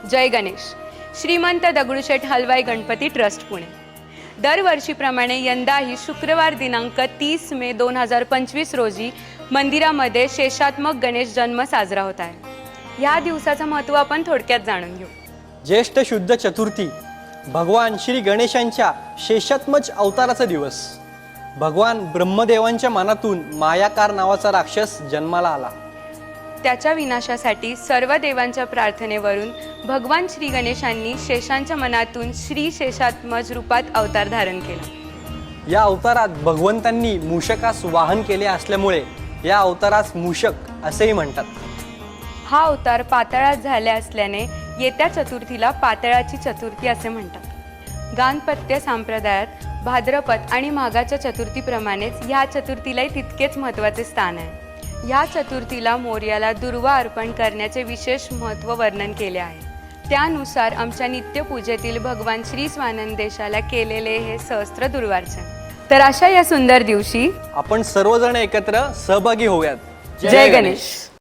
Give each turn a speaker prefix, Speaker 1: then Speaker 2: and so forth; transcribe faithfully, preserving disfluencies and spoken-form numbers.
Speaker 1: जय Ganesh. Shrimant Dagdusheth Halwai Ganpati trust Pune. दरवर्षीप्रमाणे यंदाही शुक्रवार दिनांक तीस मे दोन हजार पंचवीस रोजी मंदिरामध्ये शेषात्मक गणेश जन्म साजरा होत आहे. या दिवसाचं महत्त्व आपण थोडक्यात जाणून घेऊ.
Speaker 2: ज्येष्ठ शुद्ध चतुर्थी भगवान श्री गणेशांच्या शेषात्मक अवताराचा दिवस. भगवान ब्रह्मदेवांच्या मनातून मायाकार नावाचा राक्षस जन्माला आला.
Speaker 1: त्याच्या विनाशासाठी सर्व देवांच्या प्रार्थनेवरून भगवान श्री गणेशांनी शेषांच्या मनातून श्री शेषात्मज रूपात अवतार धारण केला.
Speaker 2: या अवतारात भगवंतांनी मूषकास वाहन केले असल्यामुळे या अवतारास मूषक असेही म्हणतात.
Speaker 1: हा अवतार पाताळात झाले असल्याने येत्या चतुर्थीला पाताळाची चतुर्थी असे म्हणतात. गाणपत्य संप्रदायात भाद्रपद आणि माघाच्या चतुर्थीप्रमाणेच ह्या चतुर्थीलाही तितकेच महत्त्वाचे स्थान आहे. या चतुर्थीला मोर्याला दुर्वा अर्पण करण्याचे विशेष महत्त्व वर्णन केले आहे. त्यानुसार आमच्या नित्यपूजेतील भगवान श्री स्वानंदेशाला केलेले हे सहस्त्र दुर्वार्चन. तर अशा या सुंदर दिवशी
Speaker 2: आपण सर्वजण एकत्र सहभागी होऊयात.
Speaker 1: जय गणेश.